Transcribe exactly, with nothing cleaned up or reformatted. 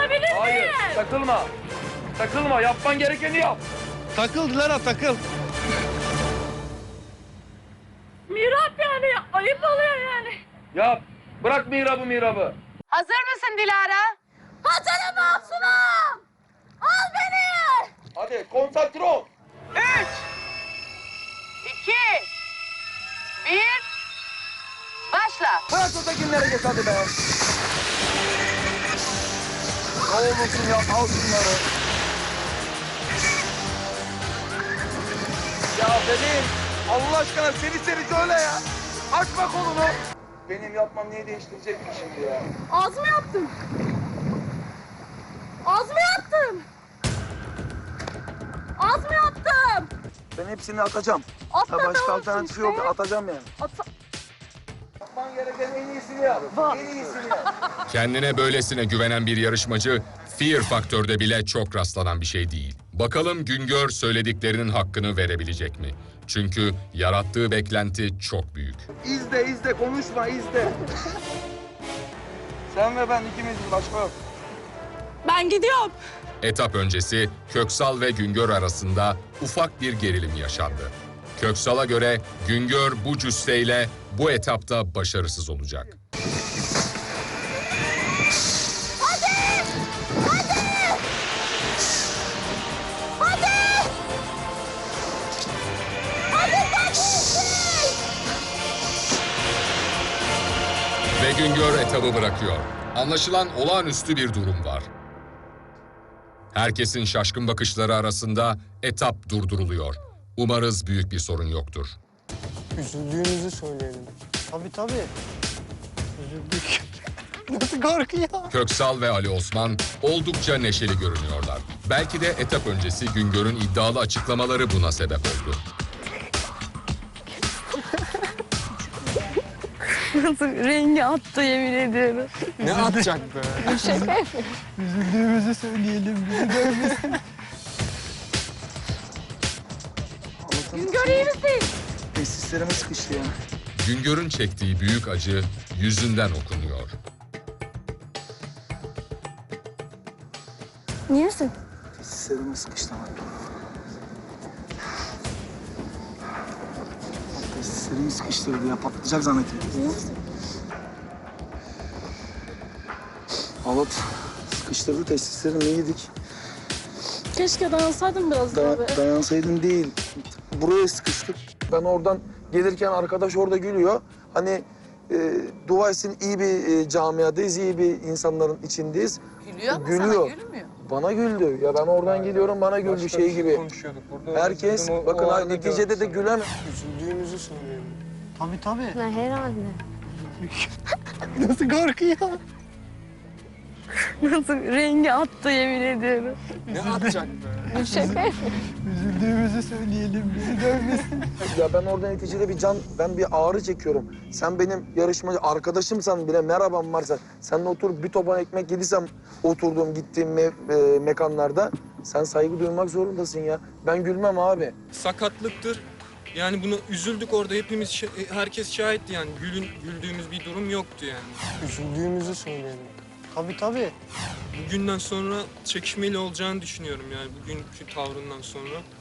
Takılabilir miyim? Hayır, takılma. Takılma, yapman gerekeni yap. Takıl Dilara, takıl. Mihrap yani, ayıp oluyor yani. Yap. Bırak mihrabı mihrabı. Hazır mısın Dilara? Hazırım Masumum. Al beni. Hadi konsantre ol. Üç, iki, bir, başla. Bırak ötekilere geç hadi be. Ne olursun yap, al şunları. Ya benim, Allah aşkına seni seni söyle ya. Açma kolunu. Benim yapmam niye değiştirecek ki şimdi ya? Az mı yaptım? Az mı yaptım? Az mı yaptım? Ben hepsini atacağım. Atla Ha, başka da alternatifi olsun yok, işte. atacağım yani. Ata... Yapman gereken en iyisini yap. En iyisini yap. Kendine böylesine güvenen bir yarışmacı, Fear Faktör'de bile çok rastlanan bir şey değil. Bakalım Güngör söylediklerinin hakkını verebilecek mi? Çünkü yarattığı beklenti çok büyük. İzle izle, konuşma izle. Sen ve ben ikimiziz, başka yok. Ben gidiyorum. Etap öncesi Köksal ve Güngör arasında ufak bir gerilim yaşandı. Köksal'a göre Güngör bu cüsseyle bu etapta başarısız olacak. Ve Güngör etabı bırakıyor. Anlaşılan olağanüstü bir durum var. Herkesin şaşkın bakışları arasında etap durduruluyor. Umarız büyük bir sorun yoktur. Üzüldüğümüzü söyleyelim. Tabii tabii. Üzüldük. Nasıl korkuyor? Köksal ve Ali Osman oldukça neşeli görünüyorlar. Belki de etap öncesi Güngör'ün iddialı açıklamaları buna sebep oldu. Nasıl rengi attı yemin ediyorum. Ne atacak be? Şaka yapıyorum. Üzüldüğümüzü söyleyelim. Bizi dövmesin. Güngör iyi misin? Tesislerime sıkıştı ya. Güngör'ün çektiği büyük acı yüzünden okunuyor. İyi misin? Tesislerime sıkıştı ama. Tesislerimi sıkıştırdı ya, patlayacak zannettim. Halat sıkıştırdı, tesislerimi yedik. Keşke dayansaydın biraz daha be. Da dayansaydım değil, buraya sıkıştık. Ben oradan gelirken arkadaş orada gülüyor. Hani e, dua etsin, iyi bir e, camiadayız, iyi bir insanların içindeyiz. Gülüyor ama Gülüyor. sana gülmüyor. Bana güldü. Ya ben oradan geliyorum, bana güldü şey gibi. Herkes, bakın ha, neticede de gülen... Üzüldüğümüzü söyleyelim. Tabii tabii. Ne herhalde. Nasıl korkuyor? Nasıl rengi attı yemin ediyorum. Ne atacak be? Şaka yapıyorum. Üzüldüğümüzü söyleyelim. Bizi dövmesin. Ya ben orada neticede bir can, ben bir ağrı çekiyorum. Sen benim yarışmacı arkadaşımsan bile, merhabam varsa, seninle oturup bir topan ekmek yediysem oturduğum, gittiğim me e, mekanlarda, sen saygı duymak zorundasın ya. Ben gülmem abi. Sakatlıktır. Yani bunu üzüldük orada hepimiz, şa- herkes şahitti yani. Gülün, güldüğümüz bir durum yoktu yani. Üzüldüğümüzü söyleyelim. Tabii tabii. Bugünden sonra çekişmeli olacağını düşünüyorum yani bugünkü tavrından sonra.